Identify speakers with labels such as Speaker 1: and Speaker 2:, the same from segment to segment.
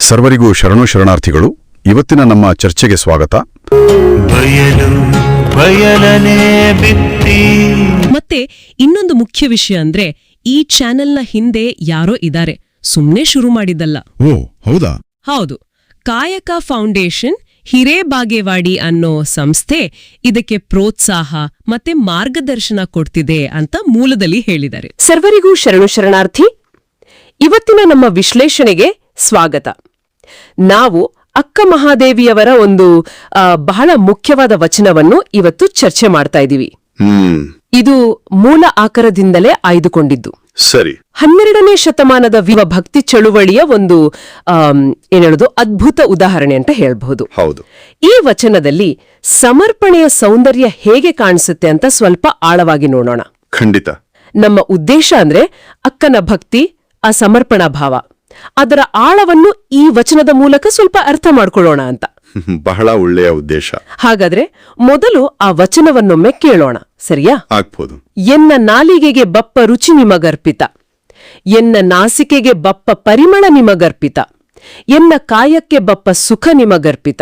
Speaker 1: ಸರ್ವರಿಗೂ ಶರಣು ಶರಣಾರ್ಥಿಗಳು. ಇವತ್ತಿನ ನಮ್ಮ ಚರ್ಚೆಗೆ ಸ್ವಾಗತ.
Speaker 2: ಮತ್ತೆ ಇನ್ನೊಂದು ಮುಖ್ಯ ವಿಷಯ ಅಂದ್ರೆ ಈ ಚಾನೆಲ್ನ ಹಿಂದೆ ಯಾರೋ ಇದ್ದಾರೆ, ಸುಮ್ನೆ ಶುರು ಮಾಡಿದ್ದಲ್ಲ.
Speaker 1: ಓ ಹೌದಾ?
Speaker 2: ಹೌದು, ಕಾಯಕ ಫೌಂಡೇಶನ್ ಹಿರೇಬಾಗೇವಾಡಿ ಅನ್ನೋ ಸಂಸ್ಥೆ ಇದಕ್ಕೆ ಪ್ರೋತ್ಸಾಹ ಮತ್ತೆ ಮಾರ್ಗದರ್ಶನ ಕೊಡ್ತಿದೆ ಅಂತ ಮೂಲದಲ್ಲಿ ಹೇಳಿದ್ದಾರೆ.
Speaker 3: ಸರ್ವರಿಗೂ ಶರಣು ಶರಣಾರ್ಥಿ. ಇವತ್ತಿನ ನಮ್ಮ ವಿಶ್ಲೇಷಣೆಗೆ ಸ್ವಾಗತ. ನಾವು ಅಕ್ಕ ಮಹಾದೇವಿಯವರ ಒಂದು ಬಹಳ ಮುಖ್ಯವಾದ ವಚನವನ್ನು ಇವತ್ತು ಚರ್ಚೆ ಮಾಡ್ತಾ ಇದ್ದೀವಿ. ಇದು ಮೂಲ ಆಕರದಿಂದಲೇ ಆಯ್ದುಕೊಂಡಿದ್ದು.
Speaker 1: ಸರಿ.
Speaker 3: 12ನೇ ಶತಮಾನದ ಭಕ್ತಿ ಚಳುವಳಿಯ ಒಂದು ಅದ್ಭುತ ಉದಾಹರಣೆ ಅಂತ ಹೇಳ್ಬಹುದು.
Speaker 1: ಹೌದು.
Speaker 3: ಈ ವಚನದಲ್ಲಿ ಸಮರ್ಪಣೆಯ ಸೌಂದರ್ಯ ಹೇಗೆ ಕಾಣಿಸುತ್ತೆ ಅಂತ ಸ್ವಲ್ಪ ಆಳವಾಗಿ ನೋಡೋಣ.
Speaker 1: ಖಂಡಿತ.
Speaker 3: ನಮ್ಮ ಉದ್ದೇಶ ಅಂದ್ರೆ ಅಕ್ಕನ ಭಕ್ತಿ, ಆ ಸಮರ್ಪಣಾ ಭಾವ, ಅದರ ಆಳವನ್ನು ಈ ವಚನದ ಮೂಲಕ ಸ್ವಲ್ಪ ಅರ್ಥ ಮಾಡ್ಕೊಳ್ಳೋಣ ಅಂತ.
Speaker 1: ಬಹಳ ಒಳ್ಳೆಯ ಉದ್ದೇಶ.
Speaker 3: ಹಾಗಾದ್ರೆ ಮೊದಲು ಆ ವಚನವನ್ನೊಮ್ಮೆ ಕೇಳೋಣ, ಸರಿಯಾ?
Speaker 1: ಆಗ್ಬೋದು.
Speaker 3: ಎನ್ನ ನಾಲಿಗೆಗೆ ಬಪ್ಪ ರುಚಿ ನಿಮಗರ್ಪಿತ, ಎನ್ನ ನಾಸಿಕೆಗೆ ಬಪ್ಪ ಪರಿಮಳ ನಿಮಗರ್ಪಿತ, ಎನ್ನ ಕಾಯಕ್ಕೆ ಬಪ್ಪ ಸುಖ ನಿಮಗರ್ಪಿತ.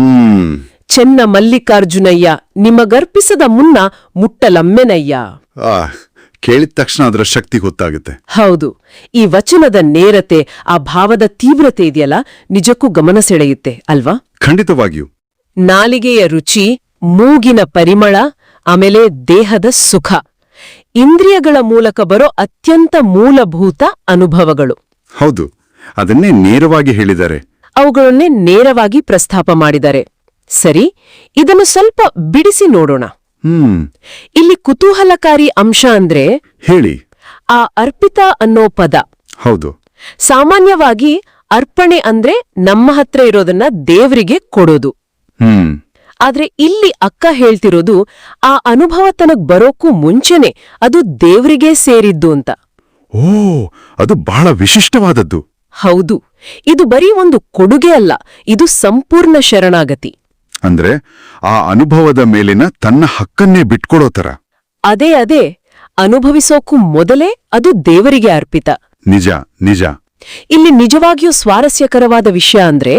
Speaker 3: ಚೆನ್ನ ಮಲ್ಲಿಕಾರ್ಜುನಯ್ಯ ನಿಮಗರ್ಪಿಸದ ಮುನ್ನ ಮುಟ್ಟಲಮ್ಮೆನಯ್ಯ.
Speaker 1: ಕೇಳಿದ ತಕ್ಷಣ ಅದರ ಶಕ್ತಿ ಗೊತ್ತಾಗುತ್ತೆ.
Speaker 3: ಹೌದು, ಈ ವಚನದ ನೇರತೆ, ಆ ಭಾವದ ತೀವ್ರತೆ ಇದೆಯಲ್ಲ, ನಿಜಕ್ಕೂ ಗಮನ ಸೆಳೆಯುತ್ತೆ ಅಲ್ವಾ?
Speaker 1: ಖಂಡಿತವಾಗಿಯೂ.
Speaker 3: ನಾಲಿಗೆಯ ರುಚಿ, ಮೂಗಿನ ಪರಿಮಳ, ಆಮೇಲೆ ದೇಹದ ಸುಖ, ಇಂದ್ರಿಯಗಳ ಮೂಲಕ ಬರೋ ಅತ್ಯಂತ ಮೂಲಭೂತ ಅನುಭವಗಳು.
Speaker 1: ಹೌದು, ಅದನ್ನೇ ನೇರವಾಗಿ ಹೇಳಿದ್ದಾರೆ.
Speaker 3: ಅವುಗಳನ್ನೇ ನೇರವಾಗಿ ಪ್ರಸ್ತಾಪ ಮಾಡಿದ್ದಾರೆ. ಸರಿ, ಇದನ್ನು ಸ್ವಲ್ಪ ಬಿಡಿಸಿ ನೋಡೋಣ. ಇಲ್ಲಿ ಕುತೂಹಲಕಾರಿ ಅಂಶ ಅಂದ್ರೆ
Speaker 1: ಹೇಳಿ,
Speaker 3: ಆ ಅರ್ಪಿತ ಅನ್ನೋ ಪದ.
Speaker 1: ಹೌದು.
Speaker 3: ಸಾಮಾನ್ಯವಾಗಿ ಅರ್ಪಣೆ ಅಂದ್ರೆ ನಮ್ಮ ಹತ್ರ ಇರೋದನ್ನ ದೇವರಿಗೆ ಕೊಡೋದು. ಆದ್ರೆ ಇಲ್ಲಿ ಅಕ್ಕ ಹೇಳ್ತಿರೋದು ಆ ಅನುಭವ ತನಗ್ ಬರೋಕ್ಕೂ ಮುಂಚೆನೆ ಅದು ದೇವರಿಗೆ ಸೇರಿದ್ದು ಅಂತ.
Speaker 1: ಓ, ಅದು ಬಹಳ ವಿಶಿಷ್ಟವಾದದ್ದು.
Speaker 3: ಹೌದು, ಇದು ಬರೀ ಒಂದು ಕೊಡುಗೆ ಅಲ್ಲ, ಇದು ಸಂಪೂರ್ಣ ಶರಣಾಗತಿ.
Speaker 1: ಅಂದ್ರೆ ಆ ಅನುಭವದ ಮೇಲಿನ ತನ್ನ ಹಕ್ಕನ್ನೇ ಬಿಟ್ಕೊಡೋ ತರ.
Speaker 3: ಅದೇ ಅನುಭವಿಸೋಕ್ಕೂ ಮೊದಲೇ ಅದು ದೇವರಿಗೆ ಅರ್ಪಿತ.
Speaker 1: ನಿಜ ನಿಜ.
Speaker 3: ಇಲ್ಲಿ ನಿಜವಾಗಿಯೂ ಸ್ವಾರಸ್ಯಕರವಾದ ವಿಷಯ ಅಂದ್ರೆ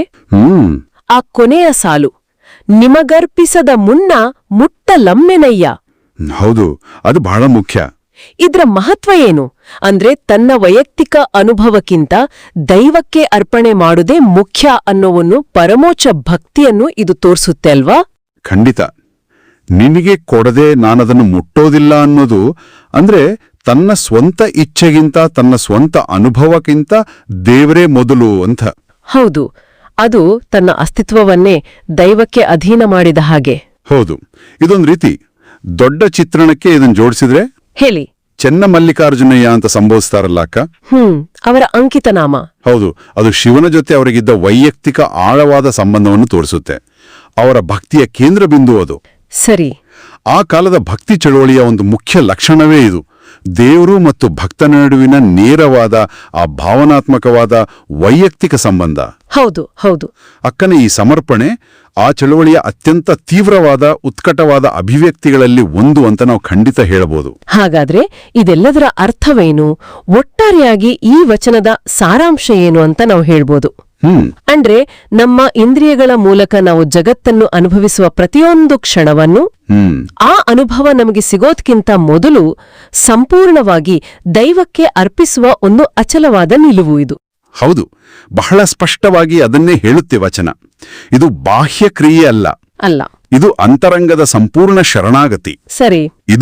Speaker 3: ಆ ಕೊನೆಯ ಸಾಲು, ನಿಮಗರ್ಪಿಸದ ಮುನ್ನ ಮುಟ್ಟಲಮ್ಮೆನಯ್ಯ.
Speaker 1: ಹೌದು, ಅದು ಬಹಳ ಮುಖ್ಯ.
Speaker 3: ಇದ್ರ ಮಹತ್ವ ಏನು ಅಂದ್ರೆ, ತನ್ನ ವೈಯಕ್ತಿಕ ಅನುಭವಕ್ಕಿಂತ ದೈವಕ್ಕೆ ಅರ್ಪಣೆ ಮಾಡುವುದೇ ಮುಖ್ಯ ಅನ್ನೋವನ್ನು, ಪರಮೋಚ್ಚ ಭಕ್ತಿಯನ್ನು ಇದು ತೋರಿಸುತ್ತೆ ಅಲ್ವಾ?
Speaker 1: ಖಂಡಿತ. ನಿನಗೆ ಕೊಡದೆ ನಾನದನ್ನು ಮುಟ್ಟೋದಿಲ್ಲ ಅನ್ನೋದು ಅಂದ್ರೆ ತನ್ನ ಸ್ವಂತ ಇಚ್ಛೆಗಿಂತ, ತನ್ನ ಸ್ವಂತ ಅನುಭವಕ್ಕಿಂತ ದೇವರೇ ಮೊದಲು ಅಂತ.
Speaker 3: ಹೌದು, ಅದು ತನ್ನ ಅಸ್ತಿತ್ವವನ್ನೇ ದೈವಕ್ಕೆ ಅಧೀನ ಮಾಡಿದ ಹಾಗೆ.
Speaker 1: ಹೌದು, ಇದೊಂದು ರೀತಿ ದೊಡ್ಡ ಚಿತ್ರಣಕ್ಕೆ ಇದನ್ನು ಜೋಡಿಸಿದ್ರೆ.
Speaker 3: ಹೇಳಿ.
Speaker 1: ಚೆನ್ನ ಮಲ್ಲಿಕಾರ್ಜುನಯ್ಯ ಅಂತ ಸಂಬೋಧಿಸ್ತಾರಲ್ಲ ಅಕ್ಕ,
Speaker 3: ಅವರ ಅಂಕಿತ ನಾಮ.
Speaker 1: ಹೌದು, ಅದು ಶಿವನ ಜೊತೆ ಅವರಿಗಿದ್ದ ವೈಯಕ್ತಿಕ ಆಳವಾದ ಸಂಬಂಧವನ್ನು ತೋರಿಸುತ್ತೆ. ಅವರ ಭಕ್ತಿಯ ಕೇಂದ್ರ ಬಿಂದು ಅದು.
Speaker 3: ಸರಿ.
Speaker 1: ಆ ಕಾಲದ ಭಕ್ತಿ ಚಳುವಳಿಯ ಒಂದು ಮುಖ್ಯ ಲಕ್ಷಣವೇ ಇದು, ದೇವರು ಮತ್ತು ಭಕ್ತನ ನಡುವಿನ ನೇರವಾದ, ಆ ಭಾವನಾತ್ಮಕವಾದ ವೈಯಕ್ತಿಕ ಸಂಬಂಧ.
Speaker 3: ಹೌದು ಹೌದು.
Speaker 1: ಅಕ್ಕನ ಈ ಸಮರ್ಪಣೆ ಆ ಚಳುವಳಿಯ ಅತ್ಯಂತ ತೀವ್ರವಾದ, ಉತ್ಕಟವಾದ ಅಭಿವ್ಯಕ್ತಿಗಳಲ್ಲಿ ಒಂದು ಅಂತ ನಾವು ಖಂಡಿತ ಹೇಳಬಹುದು.
Speaker 3: ಹಾಗಾದ್ರೆ ಇದೆಲ್ಲದರ ಅರ್ಥವೇನು, ಒಟ್ಟಾರೆಯಾಗಿ ಈ ವಚನದ ಸಾರಾಂಶ ಏನು ಅಂತ ನಾವು ಹೇಳ್ಬೋದು. ಅಂದ್ರೆ ನಮ್ಮ ಇಂದ್ರಿಯಗಳ ಮೂಲಕ ನಾವು ಜಗತ್ತನ್ನು ಅನುಭವಿಸುವ ಪ್ರತಿಯೊಂದು ಕ್ಷಣವನ್ನು, ಆ ಅನುಭವ ನಮಗೆ ಸಿಗೋದ್ಕಿಂತ ಮೊದಲು ಸಂಪೂರ್ಣವಾಗಿ ದೈವಕ್ಕೆ ಅರ್ಪಿಸುವ ಒಂದು ಅಚಲವಾದ ನಿಲುವು ಇದು.
Speaker 1: ಹೌದು, ಬಹಳ ಸ್ಪಷ್ಟವಾಗಿ ಅದನ್ನೇ ಹೇಳುತ್ತೆ ವಚನ. ಇದು ಬಾಹ್ಯ ಕ್ರಿಯೆ ಅಲ್ಲ, ಇದು ಅಂತರಂಗದ ಸಂಪೂರ್ಣ ಶರಣಾಗತಿ.
Speaker 3: ಸರಿ.
Speaker 1: ಇದು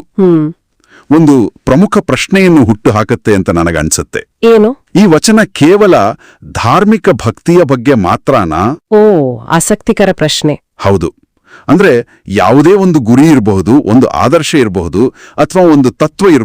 Speaker 1: ಒಂದು ಪ್ರಮುಖ ಪ್ರಶ್ನೆಯನ್ನು ಹುಟ್ಟು ಹಾಕತ್ತೆ ಅಂತ ನನಗನ್ಸುತ್ತೆ.
Speaker 3: ಏನು?
Speaker 1: ಈ ವಚನ ಕೇವಲ ಧಾರ್ಮಿಕ ಭಕ್ತಿಯ ಬಗ್ಗೆ ಮಾತ್ರನಾ?
Speaker 3: ಓ, ಆಸಕ್ತಿಕರ ಪ್ರಶ್ನೆ.
Speaker 1: ಹೌದು. ಅಂದ್ರೆ ಯಾವುದೇ ಒಂದು ಗುರಿ ಇರಬಹುದು, ಒಂದು ಆದರ್ಶ ಇರಬಹುದು, ಅಥವಾ ಒಂದು ತತ್ವ